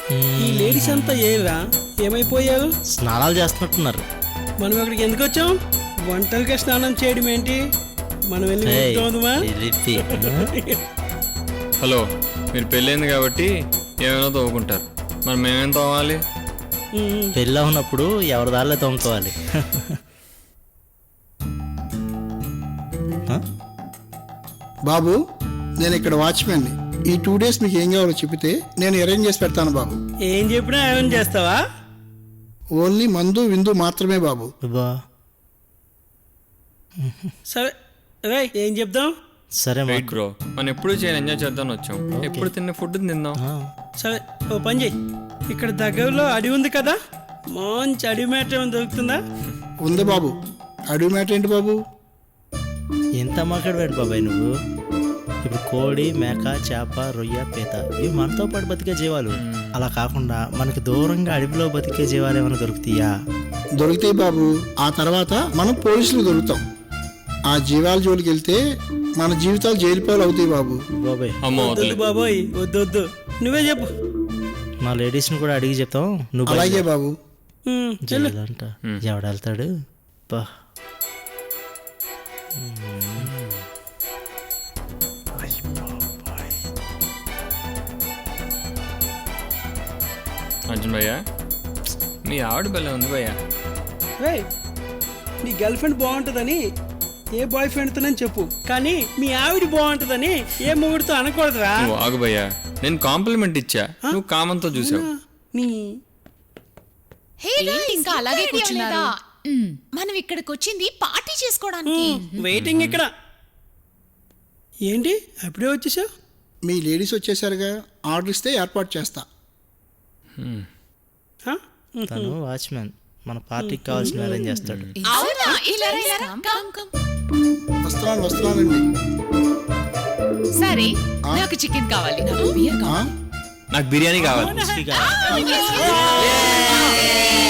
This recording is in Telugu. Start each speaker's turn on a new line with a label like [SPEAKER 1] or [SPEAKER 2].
[SPEAKER 1] ఈ లేడీస్ అంతా ఏరా ఏమైపోయారు?
[SPEAKER 2] స్నానాలు చేస్తున్నట్టున్నారు.
[SPEAKER 1] మనం ఇక్కడికి ఎందుకు వచ్చాం? వంటలకే స్నానం చేయడం ఏంటి? మనం వెళ్ళి ముట్టుకోవద్దుమా?
[SPEAKER 3] హలో, మీరు పెళ్ళైంది కాబట్టి ఏమైనా తవ్వుకుంటారు, మరి మేమేం తవ్వాలి?
[SPEAKER 2] పెళ్ళి ఉన్నప్పుడు ఎవరి దారిలో తోముకోవాలి.
[SPEAKER 4] బాబు, నేను ఇక్కడ వాచ్మెన్ని. ఈ 2 days మీకు ఏం కావాలో చెబితే నేను అరేంజ్ చేసి పెడతాను బాబు.
[SPEAKER 1] ఏం చెప్పినా ఏమైనా చేస్తావా?
[SPEAKER 4] ఓన్లీ మందు విందు మాత్రమే బాబు.
[SPEAKER 2] బా
[SPEAKER 1] సరే రే, ఏం చెప్దాం?
[SPEAKER 2] సరే
[SPEAKER 3] రైట్ బ్రో, మనం ఎప్పుడు చేయని ఎంజాయ్ చేద్దాం వచ్చాం. ఎప్పుడు తిన్న ఫుడ్ తిందాం.
[SPEAKER 1] సరే, ఓ పని చెయ్యి. ఇక్కడ దగ్గరలో అడవి ఉంది కదా, మంచి అడవి మేట ఏమైనా దొరుకుతుందా?
[SPEAKER 4] ఉంది బాబు. అడవి మ్యాటర్ ఏంటి బాబు?
[SPEAKER 2] ఎంత మాట్లాడవేంటి బాబాయ్ నువ్వు? ఇప్పుడు కోడి, మేక, చేప, రొయ్య, పీత ఇవి మనతో పాటు బతికే జీవాలు. అలా కాకుండా మనకి దూరంగా అడవిలో బతికే జీవాలు ఏమైనా దొరుకుతాయా?
[SPEAKER 4] దొరుకుతాయి బాబు. ఆ తర్వాత మనం పోలీసులు దొరుకుతాం. ఆ జీవాల జోలికి వెళ్తే మన జీవితాలు జైలు పాలు అవుతాయి బాబు.
[SPEAKER 2] బాబాయ్
[SPEAKER 3] అమ్మో
[SPEAKER 1] వద్దు బాబోయ్, వద్దు వద్దు, నువ్వే చెప్పు.
[SPEAKER 2] మా లేడీస్ని కూడా అడిగి చెప్తాం. నువ్వు
[SPEAKER 4] అలాగే బాబు.
[SPEAKER 2] జైలంట ఎవడెళ్తాడు? బా
[SPEAKER 3] అర్జున్ భయ్యా, మీ ఆవిడ బెల్ల ఉంది భయ్యా.
[SPEAKER 1] రే, నీ గర్ల్ ఫ్రెండ్ బాగుంటుందని ఏ బాయ్ ఫ్రెండ్తోనని చెప్పు, కానీ మీ ఆవిడ బాగుంటుందని ఏ మొగుడితో అనకూడదురా.
[SPEAKER 3] నువ్వు ఆగు భయ్యా, నేను కాంప్లిమెంట్ ఇచ్చా, నువ్వు కామంతో చూసావు.
[SPEAKER 1] నీ
[SPEAKER 5] ఏంటి ఇంకా అలాగే కూర్చున్నారు? మనం ఇక్కడికి వచ్చింది పార్టీ చేసుకోవడానికి.
[SPEAKER 1] వెయిటింగ్ ఇక్కడ. ఏంటి అప్పుడే వచ్చేసావు?
[SPEAKER 4] మీ లేడీస్ వచ్చేసరిగా ఆర్డర్ ఇస్తే ఏర్పాటు చేస్తా.
[SPEAKER 2] తను వాచ్మెన్, మన పార్టీకి కావాల్సిన అరేంజ్ చేస్తాడు.
[SPEAKER 5] అవునా? ఇలా రా, కమ్, కమ్.
[SPEAKER 4] వస్తున్నానండి.
[SPEAKER 5] సరే, నాకు చికెన్ కావాలి, నాకు బియర్ కావాలి.
[SPEAKER 3] నాకు బిర్యానీ కావాలి.